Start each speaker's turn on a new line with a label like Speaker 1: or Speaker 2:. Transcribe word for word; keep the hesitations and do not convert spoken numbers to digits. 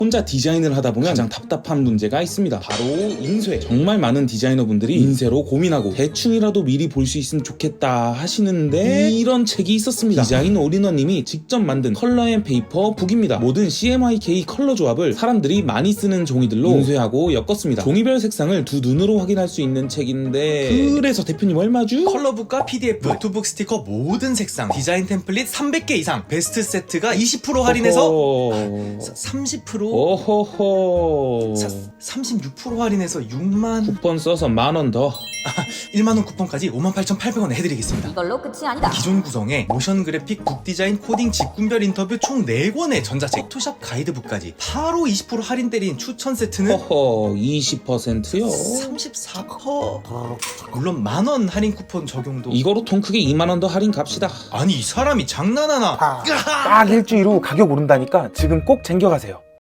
Speaker 1: 혼자 디자인을 하다 보면 가장 답답한 문제가 있습니다. 바로 인쇄. 정말 많은 디자이너분들이 인쇄로 고민하고 대충이라도 미리 볼 수 있으면 좋겠다 하시는데 이런 책이 있었습니다. 디자인 올인원님이 직접 만든 컬러 앤 페이퍼 북입니다. 모든 씨엠와이케이 컬러 조합을 사람들이 많이 쓰는 종이들로 인쇄하고 엮었습니다. 종이별 색상을 두 눈으로 확인할 수 있는 책인데 그래서 대표님 얼마죠?
Speaker 2: 컬러북과 피디에프, 노트북 스티커 모든 색상, 디자인 템플릿 삼백 개 이상, 베스트 세트가 이십 퍼센트 할인해서
Speaker 1: 어허...
Speaker 2: 삼십 퍼센트
Speaker 1: 어허허...
Speaker 2: 사, 삼십육 퍼센트 할인해서 육만
Speaker 1: 쿠폰 써서 만 원 더.
Speaker 2: 일만 원 쿠폰까지 오만 팔천팔백 원에 해드리겠습니다.
Speaker 3: 이걸로 끝이 아니다.
Speaker 2: 기존 구성에 모션 그래픽, 북 디자인, 코딩, 직군별 인터뷰 총 네 권의 전자책, 포토샵 가이드북까지 바로 이십 퍼센트 할인 때린 추천 세트는
Speaker 1: 허허 이십 퍼센트요?
Speaker 2: 삼십사 퍼센트. 물론 만 원 할인 쿠폰 적용도.
Speaker 1: 이거로 통 크게 이만 원 더 할인 갑시다.
Speaker 2: 아니 이 사람이 장난하나?
Speaker 4: 딱 일주일 후 가격 오른다니까 지금 꼭 챙겨가세요.